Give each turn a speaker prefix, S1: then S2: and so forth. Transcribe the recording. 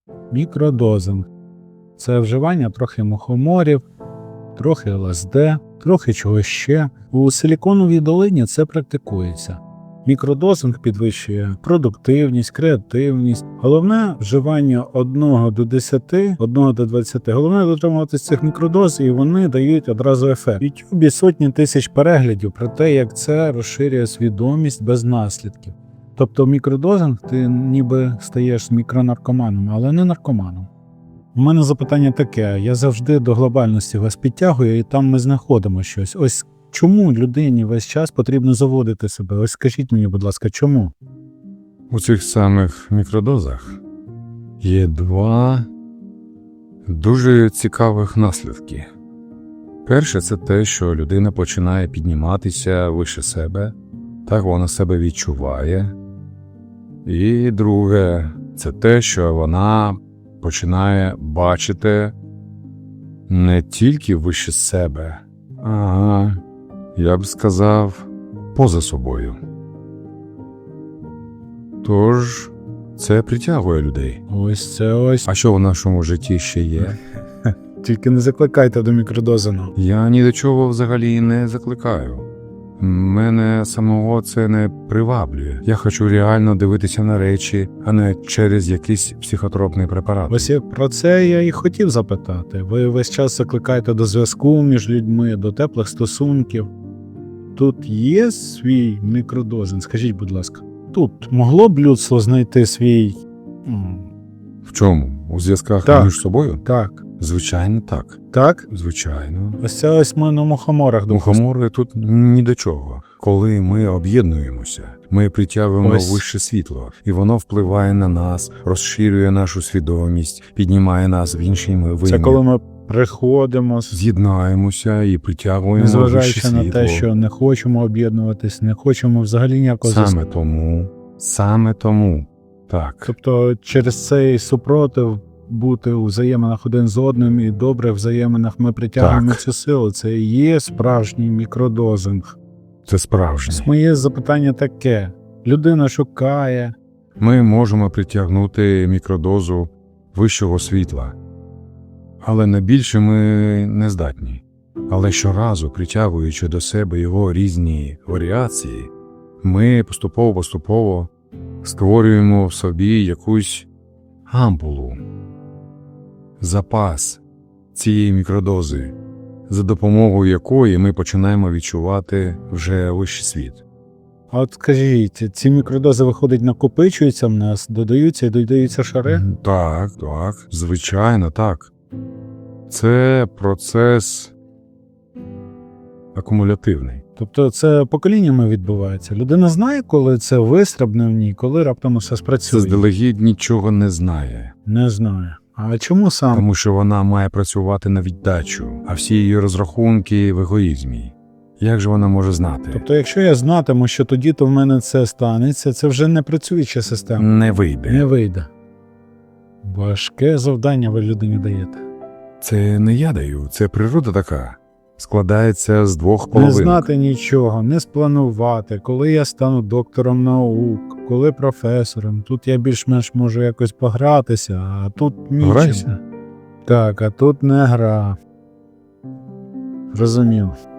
S1: Мікродозинг – це вживання трохи мухоморів, трохи ЛСД, трохи чогось ще. У Силіконовій долині це практикується. Мікродозинг підвищує продуктивність, креативність. Головне – вживання 1 до 10, 1 до 20. Головне – дотримуватися цих мікродоз, і вони дають одразу ефект. В YouTube сотні тисяч переглядів про те, як це розширює свідомість без наслідків. Тобто мікродозинг ти ніби стаєш мікронаркоманом, але не наркоманом. У мене запитання таке, я завжди до глобальності вас підтягую, і там ми знаходимо щось. Ось чому людині весь час потрібно заводити себе? Ось скажіть мені, будь ласка, чому?
S2: У цих самих мікродозах є 2 дуже цікавих наслідки. Перше – це те, що людина починає підніматися вище себе, так вона себе відчуває. І друге – це те, що вона починає бачити не тільки вище себе, а, я б сказав, поза собою. Тож, це притягує людей.
S1: Ось це ось.
S2: А що в нашому житті ще є?
S1: Тільки не закликайте до мікродозину.
S2: Я ні до чого взагалі не закликаю. Мене самого це не приваблює. Я хочу реально дивитися на речі, а не через якийсь психотропний препарат.
S1: Ось про це я і хотів запитати. Ви весь час закликаєте до зв'язку між людьми, до теплих стосунків. Тут є свій мікродозинг? Скажіть, будь ласка. Тут могло б людство знайти свій...
S2: В чому? У зв'язках
S1: Так.
S2: між собою?
S1: Так.
S2: Звичайно, так.
S1: Так?
S2: Звичайно.
S1: Ось це ось ми на мухоморах.
S2: Мухомори тут ні до чого. Коли ми об'єднуємося, ми притягуємо
S1: Ось.
S2: вище світло, і воно впливає на нас, розширює нашу свідомість, піднімає нас в інший вимір.
S1: Це коли ми приходимо,
S2: З'єднаємося і притягуємо вище
S1: незважаючи
S2: світло.
S1: на те, що не хочемо об'єднуватись, не хочемо взагалі ніякого зв'язку.
S2: Саме тому, так.
S1: Тобто через цей супротив бути у взаєминах один з одним і добре в взаєминах ми притягуємо
S2: Так.
S1: цю силу. Це і є справжній мікродозинг.
S2: Це справжнє.
S1: Моє запитання таке. Людина шукає.
S2: Ми можемо притягнути мікродозу вищого світла, але на більше ми не здатні. Але щоразу, притягуючи до себе його різні варіації, ми поступово створюємо в собі якусь ампулу, запас цієї мікродози, за допомогою якої ми починаємо відчувати вже вищий світ.
S1: А от скажіть, ці мікродози, виходить, накопичуються в нас, додаються і додаються шари?
S2: Так, звичайно, так. Це процес акумулятивний.
S1: Тобто це поколіннями відбувається. Людина знає, коли це вистрибне в ній, коли раптом все спрацює?
S2: Заздалегідь нічого не знає.
S1: Не знаю. А чому саме?
S2: Тому що вона має працювати на віддачу, а всі її розрахунки в егоїзмі. Як же вона може знати?
S1: Тобто, якщо я знатиму, що тоді-то в мене це станеться, це вже не працююча система.
S2: Не вийде.
S1: Не вийде. Важке завдання ви людині даєте.
S2: Це не я даю, це природа така. Складається з 2
S1: Не
S2: половинок.
S1: знати нічого, не спланувати, коли я стану доктором наук, коли професором. Тут я більш-менш можу якось погратися, а тут нічим.
S2: Грайся.
S1: Так, а тут не гра. Розумів.